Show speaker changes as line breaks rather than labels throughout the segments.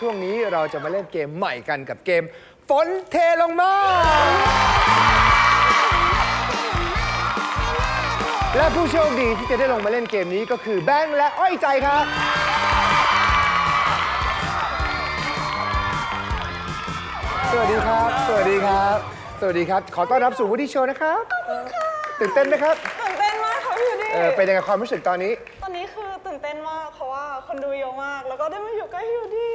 ช่วงนี้เราจะมาเล่นเกมใหม่กันกับเกมฝนเทลงมา และผู้โชคดีที่จะได้ลงมาเล่นเกมนี้ก็คือแบงค์และอ้อยใจครับ สวัสดีครับ สวัสดีครับ สวัสดีครับ ขอต้อนรับสู่วูดดี้โชว์นะครับตื่นเต้นไหมครับ
ตื่นเต้นมากค่ะพี่ยูดี้
เป็นยังไงความรู้สึกตอนนี้
ตอนนี้คือตื่นเต้นมากเพราะว่าคนดูเยอะมาก แล้วก็ได้มาอยู่ใกล้พี่ยูดี้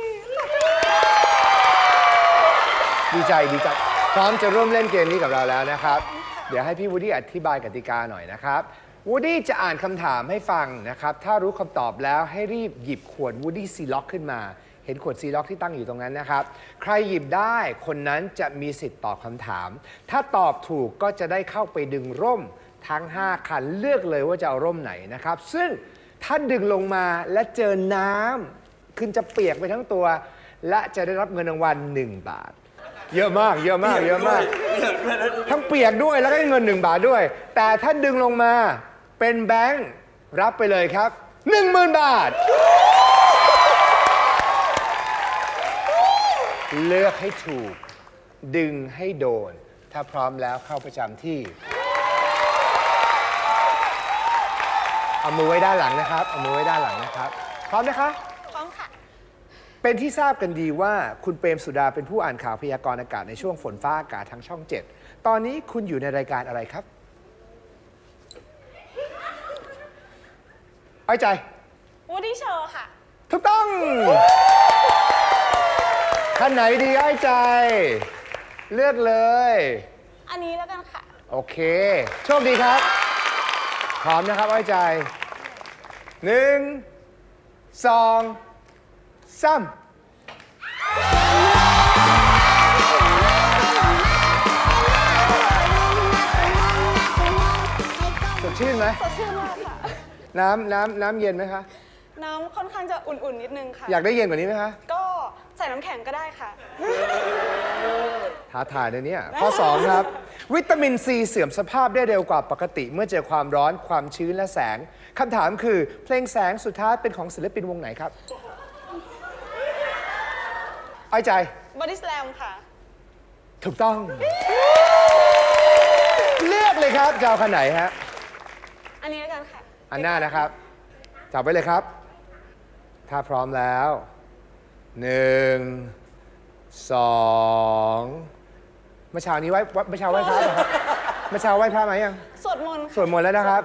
ดีใจพร้อมจะร่วมเล่นเกมนี้กับเราแล้วนะครับ เดี๋ยวให้พี่วูดดี้อธิบายกติกาหน่อยนะครับวูดดี้จะอ่านคำถามให้ฟังนะครับถ้ารู้คำตอบแล้วให้รีบหยิบขวดวูดดี้ซีล็อกขึ้นมาเห็นขวดซีล็อกที่ตั้งอยู่ตรงนั้นนะครับใครหยิบได้คนนั้นจะมีสิทธิ์ตอบคำถามถ้าตอบถูกก็จะได้เข้าไปดึงร่มทั้ง5คันเลือกเลยว่าจะเอาร่มไหนนะครับซึ่งถ้าดึงลงมาและเจอน้ำคุณจะเปียกไปทั้งตัวและจะได้รับเงินรางวัล1 บาทเยอะมากทั้งเปียกด้วยแล้วก็ได้เงิน1 บาทด้วยแต่ถ้าดึงลงมาเป็นแบงค์รับไปเลยครับ 10,000 บาทเลือกให้ถูกดึงให้โดนถ้าพร้อมแล้วเข้าประจำที่เอามือไว้ด้านหลังนะครับเอามือไว้ด้านหลังนะครับพร้อมนะคะ
พร้อมค่ะ
เป็นที่ทราบกันดีว่าคุณเปรมสุดาเป็นผู้อ่านข่าวพยากรณ์อากาศในช่วงฝนฟ้าอากาศทางช่อง 7ตอนนี้คุณอยู่ในรายการอะไรครับอ้อยใจ
วูดดี้โชว์ค่ะ
ถูกต้องท่านไหนดีอ้อยใจ เลือกเลย
อันนี้แล้วกันค่ะ
โอเค โชคดีครับ พร้อมนะครับอ้อยใจ 1 2 3สดชื่นไหม
สดชื่นมากค่ะ
น้ำเย็นไหมคะ
น้ำค่อนข้างจะอุ่นๆนิดนึงค่ะ
อยากได้เย็นกว่านี้ไหมคะ
ก็ใส่น้ำแข็งก็ได้ค่ะ
ท้าทายนะเนี่ย ข้อ 2 ครับ วิตามินซีเสื่อมสภาพได้เร็วกว่าปกติเมื่อเจอความร้อนความชื้นและแสงคำถามคือเพลงแสงสุดท้ายเป็นของศิลปินวงไหนครับอ้อยใจ
บอดี้สแลมค่ะ
ถูกต้อง เลือกเลยครับจะเอาคันไหนฮะ
อันนี้แล้วกันค่ะ
อันหน้านะครับจับไว้เลยครับ ถ้าพร้อมแล้ว 1 2เมื่อเช้านี้ไหว้พระเหรอครับเมื่อเช้าไหว้พระไหมยัง
สวดมนต์
สวดมนต์แล้วนะครับ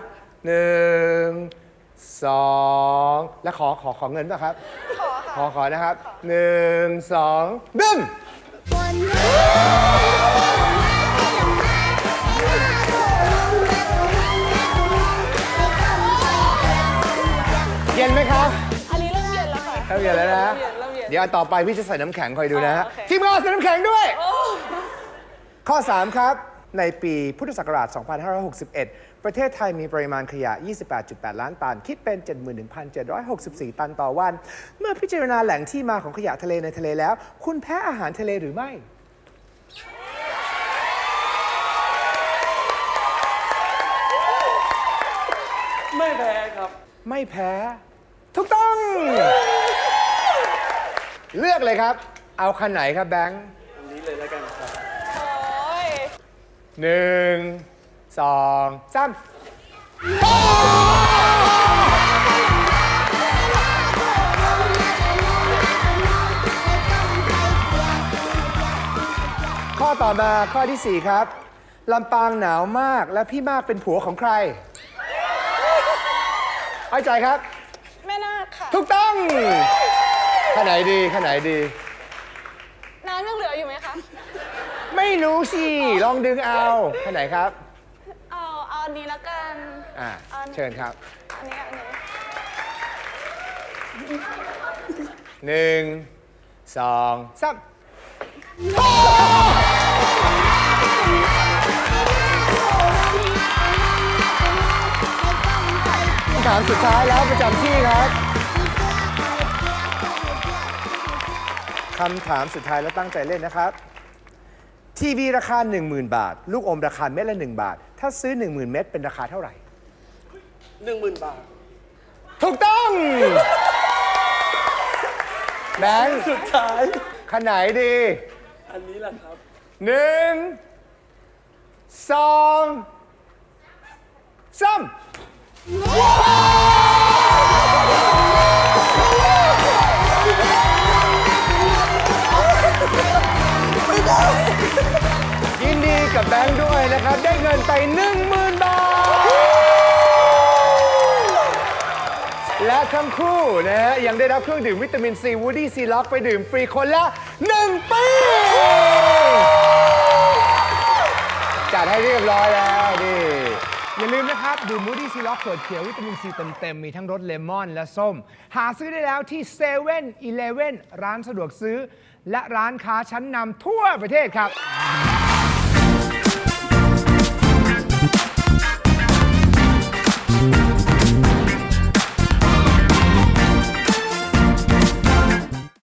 1 2 แล้วขอเงินป่ะครับ
ขอค่ะ
ขอนะครับ 1 2บึ้มเย็นไหมครับ
อันนี้เริ่มเย็นแล้วค่ะ
เริ่มเย็นแล้วนะ
เริ่มเย็น
เดี๋ยวอันต่อไปพี่จะใส่น้ำแข็งคอยดูนะฮะ
โอเค
ทีมงานใส่น้ำแข็งด้วย
โอ้
ข้อ 3 ครับ ในปีพุทธศักราช 2561 ประเทศไทยมีปริมาณขยะ 28.8 ล้านตัน คิดเป็น 71,764 ตันต่อวัน เมื่อพิจารณาแหล่งที่มาของขยะทะเลในทะเลแล้ว คุณแพ้อาหารทะเลหรือไม่
ไม่แพ้ครับ
ไม่แพ้ ถูกต้อง เลือกเลยครับ เอาคันไหนครับแบงค์
อันนี้เลยแล้วกันครับ
โอ้ย
1 2 3ข้อต่อมาข้อที่ 4 ครับ ลำปางหนาวมากและพี่มากเป็นผัวของใครอ้อยใจครับ
แม่นาคค่ะ
ถูกต้องข้าไหนดี
น้ำยังเหลืออยู่ไหมคะ
ไม่รู้สิ ลองดึงเอาข้าไหนครับ
เอาอันนี้แล้วกัน
เชิญครับ
อันนี้
1 2 3คำถามสุดท้ายแล้วประจำที่ครับคำถามสุดท้ายแล้วตั้งใจเล่นนะครับ ทีวีราคา 10,000 บาท ลูกอมราคาเม็ดละ1 บาท ถ้าซื้อ 10,000 เม็ดเป็นราคาเท่าไหร่
10,000 บาท
ถูกต้องแบงค์
สุดท้าย
ขนไหนดี
อันนี้แหละครับ
1 2 3 ยินดีกับแบงค์ด้วยนะครับ ได้เงินไป 10,000 บาท และทั้งคู่นะฮะยังได้รับเครื่องดื่มวิตามินซีวูดี้ซีล็อกไปดื่มฟรีคนละ 1 ปี จัดให้เรียบร้อยแล้วนี่อย่าลืมนะครับ ดื่มมูดี้ซีล็อกขวดเขียววิตามินซีเต็มๆมีทั้งรสเลมอนและส้ม หาซื้อได้แล้วที่7 e เ e ่ e อร้านสะดวกซื้อ และร้านค้าชั้นนำทั่วประเทศครับ